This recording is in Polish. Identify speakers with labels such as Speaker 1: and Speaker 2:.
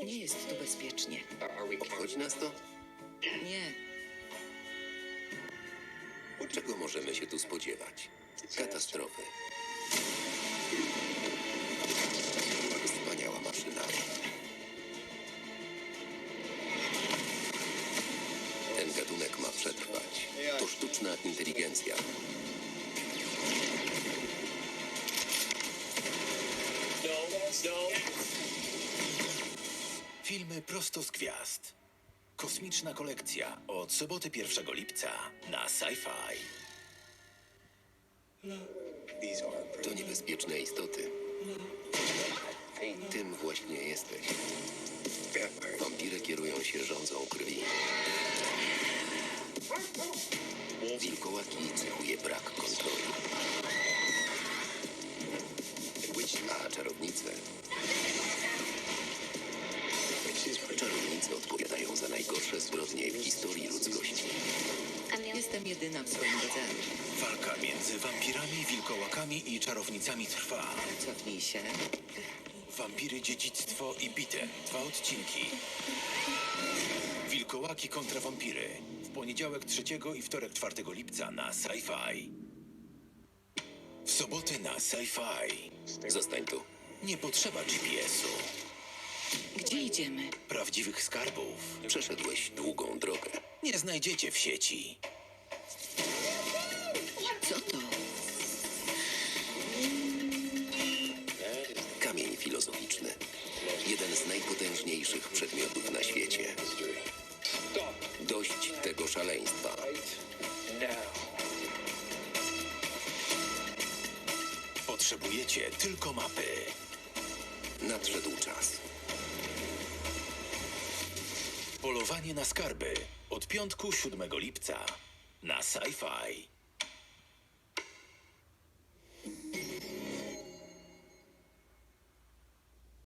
Speaker 1: Nie jest tu bezpiecznie.
Speaker 2: Obchodzi nas to?
Speaker 1: Nie.
Speaker 2: Czego możemy się tu spodziewać? Katastrofy. Wspaniała maszyna. Ten gatunek ma przetrwać. To sztuczna inteligencja.
Speaker 3: Filmy prosto z gwiazd. Kosmiczna kolekcja od soboty 1 lipca na Sci-Fi.
Speaker 2: To niebezpieczne istoty. Tym właśnie jesteś. Wampiry kierują się rządzą krwi. Wilkołaki cechuje brak kontroli. A czarownice... Czarownice odpowiadają za najgorsze zbrodnie w historii ludzkości.
Speaker 1: Jestem jedyna w swoim rodzaju.
Speaker 3: Walka między wampirami, wilkołakami i czarownicami trwa.
Speaker 1: Cofnij się.
Speaker 3: Wampiry, dziedzictwo i bite. 2 odcinki. Wilkołaki kontra wampiry. W poniedziałek 3 i wtorek 4 lipca na Sci-Fi. W soboty na Sci-Fi.
Speaker 2: Zostań tu.
Speaker 3: Nie potrzeba GPS-u.
Speaker 1: Gdzie idziemy?
Speaker 3: Prawdziwych skarbów
Speaker 2: Przeszedłeś długą drogę.
Speaker 3: nie znajdziecie w sieci.
Speaker 1: Co to?
Speaker 2: Kamień filozoficzny. Jeden z najpotężniejszych przedmiotów na świecie. Dość tego szaleństwa.
Speaker 3: Potrzebujecie tylko mapy.
Speaker 2: Nadszedł czas.
Speaker 3: Polowanie na skarby od piątku 7 lipca na Sci-Fi.